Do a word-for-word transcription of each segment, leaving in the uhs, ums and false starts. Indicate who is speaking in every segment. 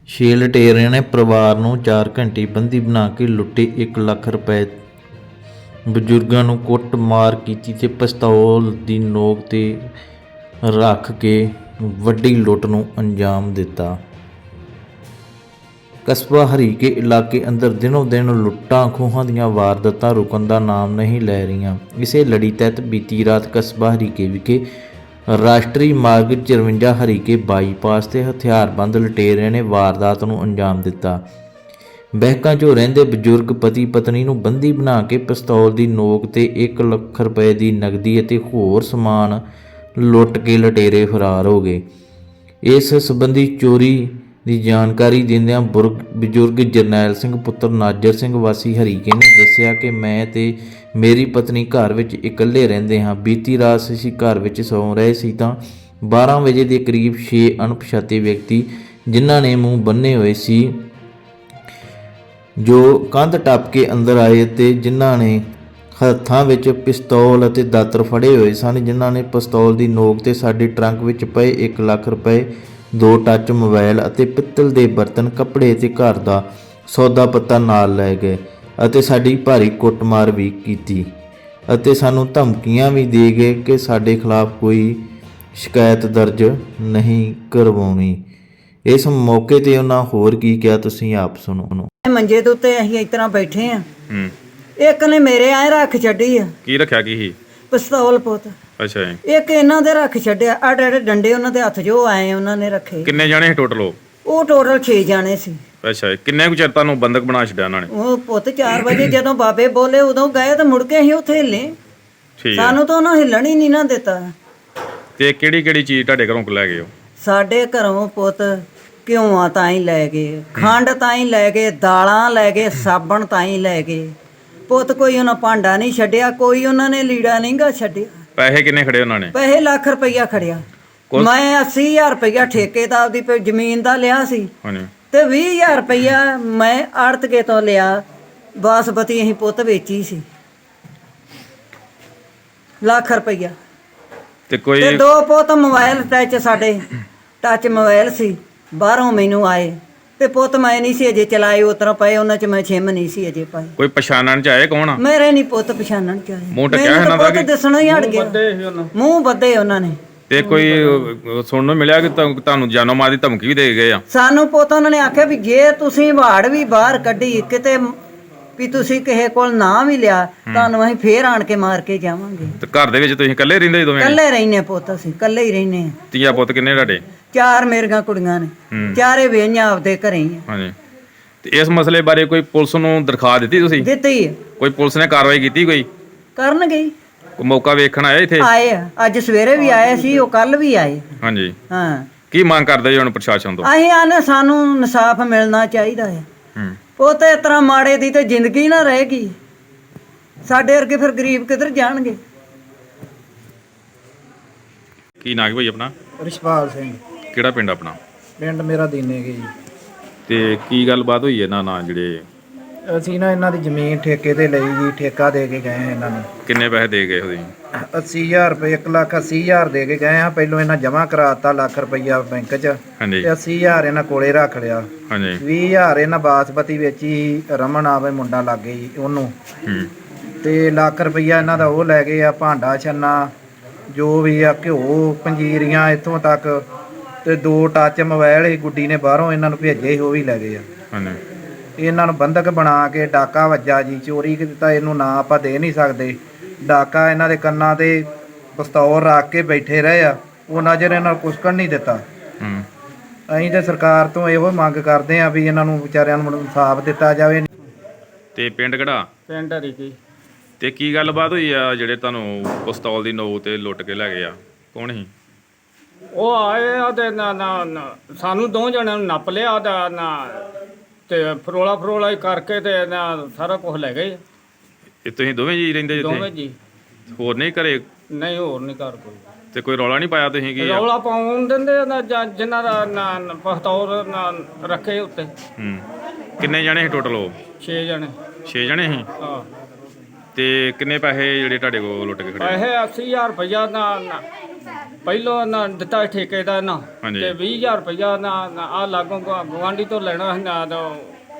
Speaker 1: ਛੇ ਲੁਟੇਰਿਆਂ ਨੇ ਪਰਿਵਾਰ ਨੂੰ ਚਾਰ ਘੰਟੇ ਬੰਦੀ ਬਣਾ ਕੇ ਲੁੱਟੇ ਇੱਕ ਲੱਖ ਰੁਪਏ। ਬਜ਼ੁਰਗਾਂ ਨੂੰ ਕੁੱਟ ਮਾਰ ਕੀਤੀ ਤੇ ਪਿਸਤੌਲ ਦੀ ਨੋਕ ਤੇ ਰੱਖ ਕੇ ਵੱਡੀ ਲੁੱਟ ਨੂੰ ਅੰਜਾਮ ਦਿੱਤਾ। ਕਸਬਾ ਹਰੀਕੇ ਇਲਾਕੇ ਅੰਦਰ ਦਿਨੋਂ ਦਿਨ ਲੁੱਟਾਂ ਖੋਹਾਂ ਦੀਆਂ ਵਾਰਦਾਤਾਂ ਰੁਕਣ ਦਾ ਨਾਮ ਨਹੀਂ ਲੈ ਰਹੀਆਂ। ਇਸੇ ਲੜੀ ਤਹਿਤ ਬੀਤੀ ਰਾਤ ਕਸਬਾ ਹਰੀਕੇ ਵਿਖੇ ਰਾਸ਼ਟਰੀ ਮਾਰਗ ਚੁਰੰਜਾ ਹਰੀਕੇ ਬਾਈਪਾਸ ਤੇ ਹਥਿਆਰਬੰਦ ਲੁਟੇਰਿਆਂ ਨੇ ਵਾਰਦਾਤ ਨੂੰ ਅੰਜਾਮ ਦਿੱਤਾ। ਬਹਿਕਾਂ 'ਚੋਂ ਰਹਿੰਦੇ ਬਜ਼ੁਰਗ ਪਤੀ ਪਤਨੀ ਨੂੰ ਬੰਦੀ ਬਣਾ ਕੇ ਪਿਸਤੌਲ ਦੀ ਨੋਕ ਤੇ ਇੱਕ ਲੱਖ ਰੁਪਏ ਦੀ ਨਕਦੀ ਅਤੇ ਹੋਰ ਸਮਾਨ ਲੁੱਟ ਕੇ ਲੁਟੇਰੇ ਫਰਾਰ ਹੋ ਗਏ। ਇਸ ਸੰਬੰਧੀ ਚੋਰੀ ਦੀ ਜਾਣਕਾਰੀ ਦਿੰਦਿਆਂ ਬੁਰਗ ਬਜ਼ੁਰਗ ਜਰਨੈਲ ਸਿੰਘ ਪੁੱਤਰ ਨਾਜਰ ਸਿੰਘ ਵਾਸੀ ਹਰੀਕੇ ਨੇ ਦੱਸਿਆ ਕਿ ਮੈਂ ਤੇ ਮੇਰੀ ਪਤਨੀ ਘਰ ਵਿੱਚ ਇਕੱਲੇ ਰਹਿੰਦੇ ਹਾਂ। ਬੀਤੀ ਰਾਤ ਅਸੀਂ ਘਰ ਵਿੱਚ ਸੌਂ ਰਹੇ ਸੀ ਤਾਂ ਬਾਰ੍ਹਾਂ ਵਜੇ ਦੇ ਕਰੀਬ ਛੇ ਅਣਪਛਾਤੇ ਵਿਅਕਤੀ ਜਿਨ੍ਹਾਂ ਨੇ ਮੂੰਹ ਬੰਨੇ ਹੋਏ ਸੀ ਜੋ ਕੰਧ ਟੱਪ ਕੇ ਅੰਦਰ ਆਏ ਅਤੇ ਜਿਨ੍ਹਾਂ ਨੇ ਹੱਥਾਂ ਵਿੱਚ ਪਿਸਤੌਲ ਅਤੇ ਦਾਤਰ ਫੜੇ ਹੋਏ ਸਨ। ਜਿਨ੍ਹਾਂ ਨੇ ਪਿਸਤੌਲ ਦੀ ਨੋਕ ਤੇ ਸਾਡੇ ਟਰੰਕ ਵਿੱਚ ਪਏ ਇੱਕ ਲੱਖ ਰੁਪਏ, ਦੋ ਟੱਚ ਮੋਬਾਈਲ ਅਤੇ ਪਿੱਤਲ ਦੇ ਬਰਤਨ, ਕੱਪੜੇ ਅਤੇ ਘਰ ਦਾ ਸੌਦਾ ਪੱਤਾ ਨਾਲ ਲੈ ਗਏ ਅਤੇ ਸਾਡੀ ਭਾਰੀ ਕੁੱਟਮਾਰ ਵੀ ਕੀਤੀ ਅਤੇ ਸਾਨੂੰ ਧਮਕੀਆਂ ਵੀ ਦੇ ਗਏ ਕਿ ਸਾਡੇ ਖਿਲਾਫ ਕੋਈ ਸ਼ਿਕਾਇਤ ਦਰਜ ਨਹੀਂ ਕਰਵਾਉਣੀ। ਇਸ ਮੌਕੇ ਤੇ ਉਹਨਾਂ ਹੋਰ ਕੀ ਕਿਹਾ ਤੁਸੀਂ ਆਪ ਸੁਣੋ।
Speaker 2: ਮੰਜੇ ਦੇ ਉੱਤੇ ਅਸੀਂ ਇਸ ਤਰ੍ਹਾਂ ਬੈਠੇ ਆ, ਇੱਕ ਨੇ ਮੇਰੇ ਐ ਰੱਖ ਛੱਡੀ ਆ।
Speaker 3: ਕੀ ਰੱਖਿਆ ਕੀ ਸੀ?
Speaker 2: ਪਿਸਤੌਲ ਪੁੱਤ।
Speaker 3: ਅੱਛਾ ਜੀ।
Speaker 2: ਇੱਕ ਇਹਨਾਂ ਦੇ ਰੱਖ ਛੱਡਿਆ, ਆੜੇ ਆੜੇ ਡੰਡੇ ਉਹਨਾਂ ਦੇ ਹੱਥ ਜੋ ਆਏ ਉਹਨਾਂ ਨੇ ਰੱਖੇ।
Speaker 3: ਕਿੰਨੇ ਜਾਣੇ ਸੀ ਟੋਟਲ? ਉਹ
Speaker 2: ਉਹ ਟੋਟਲ ਛੇ ਜਾਣੇ ਸੀ।
Speaker 3: ਅੱਛਾ, ਕਿੰਨੇ ਕੁ ਚਿਰ ਤੁਹਾਨੂੰ ਬੰਦਕ ਬਣਾ ਛੱਡਿਆ ਉਹਨਾਂ ਨੇ?
Speaker 2: ਉਹ ਪੁੱਤ ਚਾਰ ਵਜੇ ਜਦੋਂ ਬਾਬੇ ਬੋਲੇ ਉਦੋਂ ਗਏ ਤੇ ਮੁੜ ਕੇ ਅਸੀਂ ਉੱਥੇ ਹਿੱਲੇ।
Speaker 3: ਠੀਕ,
Speaker 2: ਸਾਨੂੰ ਤਾਂ ਉਹਨਾਂ ਹਿੱਲਣ ਹੀ ਨਹੀਂ ਨਾ ਦਿੱਤਾ।
Speaker 3: ਤੇ ਕਿਹੜੀ ਕਿਹੜੀ ਚੀਜ਼ ਤੁਹਾਡੇ ਘਰੋਂ ਲੈ ਗਏ?
Speaker 2: ਸਾਡੇ ਘਰੋਂ ਪੁੱਤ ਘਿਓਆਂ ਤਾਂ ਹੀ ਲੈ ਗਏ, ਖੰਡ ਤਾਂ ਹੀ ਲੈ ਗਏ, ਦਾਲਾਂ ਲੈ ਗਏ, ਸਾਬਣ ਤਾਂ ਹੀ ਲੈ ਗਏ ਪੁੱਤ। ਕੋਈ ਉਹਨਾਂ ਭਾਂਡਾ ਨਹੀਂ ਛੱਡਿਆ, ਕੋਈ ਉਹਨਾਂ ਨੇ ਲੀੜਾ ਨਹੀਂ ਗਾ ਛੱਡਿਆ।
Speaker 3: ਪੈਸੇ ਕਿੰਨੇ ਖੜੇ ਉਹਨਾਂ ਨੇ?
Speaker 2: ਪੈਸੇ ਲੱਖ ਰੁਪਈਆ ਖੜਿਆ। ਮੈਂ ਅੱਸੀ ਹਜ਼ਾਰ ਰੁਪਈਆ ਠੇਕੇ ਦਾ ਆਪਦੀ ਜ਼ਮੀਨ ਦਾ ਲਿਆ ਸੀ ਤੇ ਵੀਹ ਹਜ਼ਾਰ ਰੁਪਈਆ ਮੈਂ ਆੜਤਕੇ ਤੋਂ ਲਿਆ। ਬਾਸਪਤੀ ਅਸੀਂ ਪੁੱਤ ਵੇਚੀ ਸੀ, ਲੱਖ ਰੁਪਈਆ।
Speaker 3: ਤੇ ਕੋਈ
Speaker 2: ਤੇ ਦੋ ਪੁੱਤ ਮੋਬਾਈਲ ਟੱਚ, ਸਾਡੇ ਟੱਚ ਮੋਬਾਈਲ ਸੀ, ਬਾਹਰੋਂ ਮੈਨੂੰ ਆਏ ਤੇ ਪੁੱਤ ਮੈਂ ਨਹੀਂ ਸੀ ਅਜੇ ਚਲਾਏ, ਉਤਰਾ ਪਏ ਉਹਨਾਂ ਚ ਮੈਂ ਛਿਮ ਨਹੀਂ ਸੀ ਅਜੇ ਪਾਈ।
Speaker 3: ਕੋਈ ਪਛਾਣਨ ਚ ਆਏ ਕੌਣ?
Speaker 2: ਮੇਰੇ ਨਹੀਂ ਪੁੱਤ ਪਛਾਣਨ ਚ ਆਏ।
Speaker 3: ਮੂੰਹ ਟਕਿਆ ਇਹਨਾਂ ਦਾ ਕਿ
Speaker 2: ਦੱਸਣਾ ਹੀ ਹਟ ਗਿਆ, ਮੂੰਹ ਬੱਦੇ ਉਹਨਾਂ ਨੇ।
Speaker 3: ਤੇ ਕੋਈ ਸੁਣਨ ਨੂੰ ਮਿਲਿਆ ਕਿ ਤੁਹਾਨੂੰ ਜਾਨੋਂ ਮਾਰ ਦੀ ਧਮਕੀ ਵੀ ਦੇ ਗਏ ਆ?
Speaker 2: ਸਾਨੂੰ ਪੁੱਤ ਉਹਨਾਂ ਨੇ ਆਖਿਆ ਵੀ ਜੇ ਤੁਸੀਂ ਵਾੜ ਵੀ ਬਾਹਰ ਕੱਢੀ ਕਿਤੇ ਵੀ ਤੁਸੀਂ ਕਿਸੇ ਕੋਲ ਨਾ ਵੀ ਲਿਆ ਤੁਹਾਨੂੰ ਅਸੀਂ ਫੇਰ ਆਣ ਕੇ ਮਾਰ ਕੇ ਜਾਵਾਂਗੇ।
Speaker 3: ਤੇ ਘਰ ਦੇ ਵਿੱਚ ਤੁਸੀਂ ਇਕੱਲੇ ਰਹਿੰਦੇ ਦੋਵੇਂ?
Speaker 2: ਇਕੱਲੇ ਰਹਿੰਦੇ ਪੁੱਤ, ਅਸੀਂ ਇਕੱਲੇ ਹੀ ਰਹਿੰਦੇ ਆ।
Speaker 3: ਧੀਆ ਪੁੱਤ ਕਿੰਨੇ ਤੁਹਾਡੇ?
Speaker 2: ਚਾਰ ਮੇਰੀਆਂ ਕੁੜੀਆਂ ਨੇ, ਚਾਰੇ ਵੇਹੀਆਂ ਆਪਦੇ ਘਰੇ ਹੀ ਆ।
Speaker 3: ਹਾਂਜੀ। ਤੇ ਇਸ ਮਸਲੇ ਬਾਰੇ ਕੋਈ ਪੁਲਿਸ ਨੂੰ ਦਰਖਾਸਤ ਦਿੱਤੀ ਤੁਸੀਂ?
Speaker 2: ਦਿੱਤੀ।
Speaker 3: ਕੋਈ ਪੁਲਿਸ ਨੇ ਕਾਰਵਾਈ ਕੀਤੀ? ਕੋਈ
Speaker 2: ਕਰਨ ਗਈ,
Speaker 3: ਕੋਈ ਮੌਕਾ ਵੇਖਣ ਆਇਆ ਇੱਥੇ?
Speaker 2: ਆਏ ਆ, ਅੱਜ ਸਵੇਰੇ ਵੀ ਆਏ ਸੀ, ਉਹ ਕੱਲ ਵੀ ਆਏ।
Speaker 3: ਹਾਂਜੀ।
Speaker 2: ਹਾਂ।
Speaker 3: ਕੀ ਮੰਗ ਕਰਦੇ ਜੀ ਹੁਣ ਪ੍ਰਸ਼ਾਸਨ ਤੋਂ?
Speaker 2: ਅਸੀਂ ਆਨੇ ਸਾਨੂੰ ਇਨਸਾਫ ਮਿਲਣਾ ਚਾਹੀਦਾ ਹੈ।
Speaker 3: ਹੂੰ।
Speaker 2: ਉਹ ਤੇ ਇਸ ਤਰ੍ਹਾਂ ਮਾੜੇ ਦੀ ਤੇ ਜ਼ਿੰਦਗੀ ਨਾ ਰਹੇਗੀ, ਸਾਡੇ ਵਰਗੇ ਫਿਰ ਗਰੀਬ ਕਿੱਧਰ ਜਾਣਗੇ।
Speaker 3: ਕੀ ਨਾਂ ਹੈ ਭਾਈ ਆਪਣਾ?
Speaker 4: ਰਿਸ਼ਪਾਲ ਸਿੰਘ।
Speaker 3: ਕਿਹੜਾ ਪਿੰਡ ਆਪਣਾ?
Speaker 4: ਪਿੰਡ ਮੇਰਾ ਦੀਨੇਗੇ ਜੀ।
Speaker 3: ਤੇ ਕੀ ਗੱਲਬਾਤ ਹੋਈ ਇਹਨਾਂ ਨਾਲ? ਜਿਹੜੇ
Speaker 4: ਅਸੀਂ ਨਾ ਇਹਨਾਂ ਦੀ ਜ਼ਮੀਨ ਠੇਕੇ ਤੇ ਲਈ ਜੀ, ਠੇਕਾ ਦੇ ਕੇ ਗਏ ਹਾਂ ਇਹਨਾਂ ਨੂੰ।
Speaker 3: ਕਿੰਨੇ ਪੈਸੇ ਦੇ ਗਏ ਉਹਦੀ?
Speaker 4: ਅੱਸੀ ਹਜ਼ਾਰ ਰੁਪਏ, ਇੱਕ ਲੱਖ ਅੱਸੀ ਹਜ਼ਾਰ ਦੇ ਕੇ ਗਏ ਹਾਂ। ਪਹਿਲੋਂ ਇਹਨਾਂ ਜਮ੍ਹਾਂ ਕਰਾਤਾ ਲੱਖ ਰੁਪਈਆ ਬੈਂਕ 'ਚ,
Speaker 3: ਹਾਂਜੀ।
Speaker 4: ਤੇ ਅੱਸੀ ਹਜ਼ਾਰ ਇਹਨਾਂ ਕੋਲੇ ਰੱਖ ਲਿਆ।
Speaker 3: ਹਾਂਜੀ।
Speaker 4: ਵੀਹ ਹਜ਼ਾਰ ਇਹਨਾਂ ਬਾਸਪਤੀ ਵੇਚੀ, ਰਮਨ ਆਵੇ ਮੁੰਡਾ ਲੱਗ ਗਈ ਉਹਨੂੰ।
Speaker 3: ਹੂੰ।
Speaker 4: ਤੇ ਲੱਖ ਰੁਪਈਆ ਇਹਨਾਂ ਦਾ ਉਹ ਲੈ ਗਏ ਆ, ਭਾਂਡਾ ਛੰਨਾ ਜੋ ਵੀ ਆ, ਘਿਓ, ਪੰਜੀਰੀਆਂ ਇੱਥੋਂ ਤੱਕ, ਤੇ ਦੋ ਟੱਚ ਮੋਬਾਈਲ ਹੀ ਗੁੱਡੀ ਨੇ ਬਾਹਰੋਂ ਇਹਨਾਂ ਨੂੰ ਭੇਜੇ ਸੀ, ਉਹ ਵੀ ਲੈ ਗਏ ਆ।
Speaker 3: ਹਾਂਜੀ।
Speaker 4: ਇਹਨਾਂ ਨੂੰ ਬੰਧਕ ਬਣਾ ਕੇ ਡਾਕਾ ਵੱਜਾ ਜੀ, ਚੋਰੀ ਕੀਤਾ ਇਹਨੂੰ ਨਾ ਆਪਾਂ ਦੇ ਨਹੀਂ ਸਕਦੇ। ਡਾਕਾ ਇਹਨਾਂ ਦੇ ਕੰਨਾਂ ਤੇ ਪਿਸਤੌਲ ਰੱਖ ਕੇ ਬੈਠੇ ਰਹੇ ਆ, ਉਹ ਨਜ਼ਰ ਇਹਨਾਂ ਨੂੰ ਕੁਸਕਣ ਨਹੀਂ ਦਿੱਤਾ।
Speaker 3: ਹੂੰ।
Speaker 4: ਅਸੀਂ ਤੇ ਸਰਕਾਰ ਤੋਂ ਇਹੋ ਮੰਗ ਕਰਦੇ ਆ ਵੀ ਇਹਨਾਂ ਨੂੰ ਵਿਚਾਰਿਆਂ ਨੂੰ ਇਨਸਾਫ ਦਿੱਤਾ ਜਾਵੇ।
Speaker 3: ਤੇ ਪਿੰਡ ਕਿਹੜਾ?
Speaker 5: ਪਿੰਡ ਹਰੀਕੇ।
Speaker 3: ਤੇ ਕੀ ਗੱਲਬਾਤ ਹੋਈ ਆ ਜਿਹੜੇ ਤੁਹਾਨੂੰ ਪਿਸਤੌਲ ਦੀ ਨੋਕ ਤੇ ਲੁੱਟ ਕੇ ਲੈ ਗਏ ਆ? ਕੌਣ ਸੀ
Speaker 5: ਉਹ ਆਏ ਆ ਤੇ ਨਾ ਨਾ ਸਾਨੂੰ ਦੋ ਜਣਿਆਂ ਨੂੰ ਨੱਪ ਲਿਆ ਦਾ ਨਾ, ਤੇ ਫਰੋਲਾ ਫਰੋਲਾ ਹੀ ਕਰਕੇ ਤੇ ਨਾ ਸਾਰਾ ਕੁਝ ਲੈ ਗਏ।
Speaker 3: ਇਹ ਤੁਸੀਂ ਦੋਵੇਂ ਜੀ ਰਹਿੰਦੇ ਜਿੱਥੇ?
Speaker 5: ਦੋਵੇਂ ਜੀ।
Speaker 3: ਹੋਰ ਨਹੀਂ ਘਰੇ?
Speaker 5: ਨਹੀਂ, ਹੋਰ ਨਹੀਂ ਘਰ ਕੋਈ।
Speaker 3: ਤੇ ਕੋਈ ਰੌਲਾ ਨਹੀਂ ਪਾਇਆ ਤੁਸੀਂ? ਕੀ
Speaker 5: ਰੌਲਾ ਪਾਉਣ ਦਿੰਦੇ ਨਾ ਜਿਨ੍ਹਾਂ ਦਾ ਨਾ ਪਿਸਤੌਲ ਨਾ ਰੱਖੇ ਉੱਤੇ।
Speaker 3: ਹੂੰ। ਕਿੰਨੇ ਜਣੇ ਸੀ ਟੋਟਲ? ਉਹ
Speaker 5: ਛੇ ਜਣੇ।
Speaker 3: ਛੇ ਜਣੇ ਸੀ?
Speaker 5: ਹਾਂ।
Speaker 3: ਤੇ ਕਿੰਨੇ ਪੈਸੇ ਜਿਹੜੇ ਤੁਹਾਡੇ ਕੋਲ ਲੁੱਟ ਕੇ ਖੜੇ?
Speaker 5: ਪੈਸੇ ਅੱਸੀ ਹਜ਼ਾਰ ਰੁਪਈਆ ਨਾ ਪਹਿਲੋਂ ਨਾ ਦਿੱਤਾ ਠੇਕੇ ਦਾ ਨਾ
Speaker 3: ਹਾਂਜੀ।
Speaker 5: ਤੇ ਵੀਹ ਹਜ਼ਾਰ ਰੁਪਇਆ ਨਾ ਆ ਲਾਗੋਂ ਗਵਾਂਢੀ ਤੋਂ ਲੈਣਾ ਸੀ ਨਾ ਤਾਂ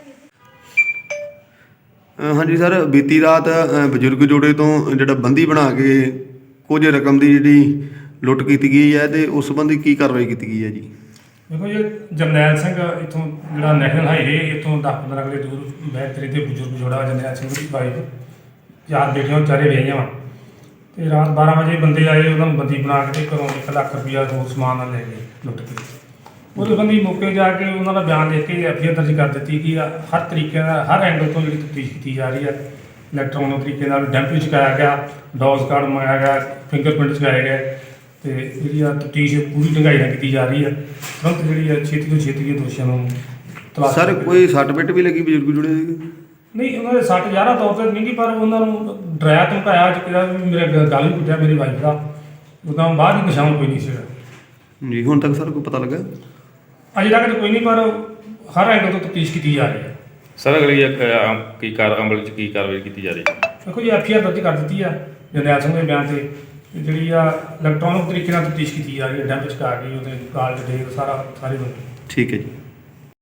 Speaker 6: ਅ, ਹਾਂਜੀ ਸਰ, ਬੀਤੀ ਰਾਤ ਅ, ਬਜ਼ੁਰਗ ਜੋੜੇ ਤੋਂ ਜਿਹੜਾ ਬੰਦੀ ਬਣਾ ਕੇ ਕੁਝ ਰਕਮ ਦੀ ਜਿਹੜੀ ਲੁੱਟ ਕੀਤੀ ਗਈ ਹੈ ਤੇ ਉਸ ਸੰਬੰਧੀ ਕੀ ਕਾਰਵਾਈ ਕੀਤੀ ਗਈ ਹੈ ਜੀ?
Speaker 7: ਦੇਖੋ ਜੀ, ਜਰਨੈਲ ਸਿੰਘ ਇੱਥੋਂ ਜਿਹੜਾ ਨੈਸ਼ਨਲ ਹਾਈਵੇ ਇੱਥੋਂ ਦਸ ਪੰਦਰਾਂ ਕਿਲੇ ਦੂਰ ਬੈਤਰੀ ਦੇ ਬਜ਼ੁਰਗ ਜੋੜਾ ਜਰਨੈਲ ਸਿੰਘ ਦੀ ਵਾਈਫ, ਚਾਰ ਬੇਟੀਆਂ ਚਾਰੇ ਵਿਆਹੀਆਂ ਵਾ ਤੇ ਰਾਤ ਬਾਰਾਂ ਵਜੇ ਬੰਦੇ ਆਏ, ਉਹਨਾਂ ਨੂੰ ਬੰਦੀ ਬਣਾ ਕੇ ਤੇ ਘਰੋਂ ਇੱਕ ਲੱਖ ਰੁਪਈਆ ਹੋਰ ਸਮਾਨ ਨਾਲ ਲੈ ਗਏ ਲੁੱਟ ਕੇ। ਉਹਦੇ ਬੰਦੀ ਮੌਕੇ ਜਾ ਕੇ ਉਹਨਾਂ ਦਾ ਬਿਆਨ ਲਿਖ ਕੇ ਐਫ ਆਈ ਆਰ ਦਰਜ ਕਰ ਦਿੱਤੀ ਕਿ ਹਰ ਤਰੀਕੇ ਨਾਲ ਹਰ ਐਂਗਲ ਤੋਂ ਜਿਹੜੀ ਤਫਤੀਸ਼ ਕੀਤੀ ਜਾ ਰਹੀ ਹੈ। ਇਲੈਕਟ੍ਰੋਨਿਕ ਤਰੀਕੇ ਨਾਲ ਡੈਂਪ ਵੀ ਚੁਕਾਇਆ ਗਿਆ, ਡੋਜ਼ ਕਾਰਡ ਮੰਗਾਇਆ ਗਿਆ, ਫਿੰਗਰਪ੍ਰਿੰਟ ਚੁਕਾਏ ਗਏ ਤੇ ਜਿਹੜੀ ਆ ਤਫਤੀਸ਼ ਪੂਰੀ ਢੰਗਾਈ ਨਾਲ ਕੀਤੀ ਜਾ ਰਹੀ ਹੈ। ਤੁਰੰਤ ਜਿਹੜੀ ਹੈ ਛੇਤੀ ਤੋਂ ਛੇਤੀ ਇਹ ਦੋਸ਼ੀਆਂ ਨੂੰ ਤਲਾਸ਼
Speaker 6: ਸਰ,
Speaker 7: ਕਰਕੇ-
Speaker 6: ਕੋਈ ਸੱਟ ਪਿੱਟ ਵੀ ਲੱਗੀ ਬਜ਼ੁਰਗ ਜੋੜੇ ਦੇ?
Speaker 7: ਨਹੀਂ, ਉਹਨਾਂ ਦੇ ਸੱਟ ਜ਼ਿਆਦਾ ਤੌਰ ਤੇ ਨਹੀਂ ਗੀ, ਪਰ ਉਹਨਾਂ ਨੂੰ ਡਰਾਇਆ ਧਮਕਾਇਆ ਕਿਹਾ ਵੀ ਮੇਰੇ ਗ- ਗਲ ਵੀ ਕੁੱਟਿਆ ਮੇਰੀ ਵਾਈਫ ਦਾ। ਉਦੋਂ ਬਾਅਦ ਹੀ ਨਿਸ਼ਾਨ ਕੋਈ ਨਹੀਂ ਸੀਗਾ।
Speaker 6: ਜੀ, ਹੁਣ ਤੱਕ ਸਰ ਕੋਈ ਪਤਾ ਲੱਗਾ?
Speaker 7: ਅਜੇ ਤੱਕ ਤਾਂ ਕੋਈ ਨਹੀਂ, ਪਰ ਹਰ ਐਂਗਲ ਤੋਂ ਤਫਤੀਸ਼ ਕੀਤੀ ਜਾ ਰਹੀ ਹੈ।
Speaker 3: ਸਰ ਅਗਲੀ ਅ, ਕੀ ਕਾਰ ਅਮਲ 'ਚ ਕੀ ਕਾਰਵਾਈ ਕੀਤੀ ਜਾ ਰਹੀ ਹੈ?
Speaker 7: ਦੇਖੋ ਜੀ, ਐਫ ਆਈ ਆਰ ਦਰਜ ਕਰ ਦਿੱਤੀ ਆ ਜਰਨੈਲ ਸਿੰਘ ਦੇ ਬਿਆਨ ਤੇ ਤੇ ਜਿਹੜੀ ਆ ਇਲੈਕਟ੍ਰੋਨਿਕ ਤਰੀਕੇ ਨਾਲ ਤਫਤੀਸ਼ ਕੀਤੀ ਜਾ ਰਹੀ ਹੈ। ਡੈਂਪ ਚੁਕਾ ਕੇ ਉਹਦੇ ਕਾਲ ਡਿਟੇਲ ਸਾਰਾ ਸਾਰੇ ਨੂੰ
Speaker 6: ਠੀਕ ਹੈ ਜੀ।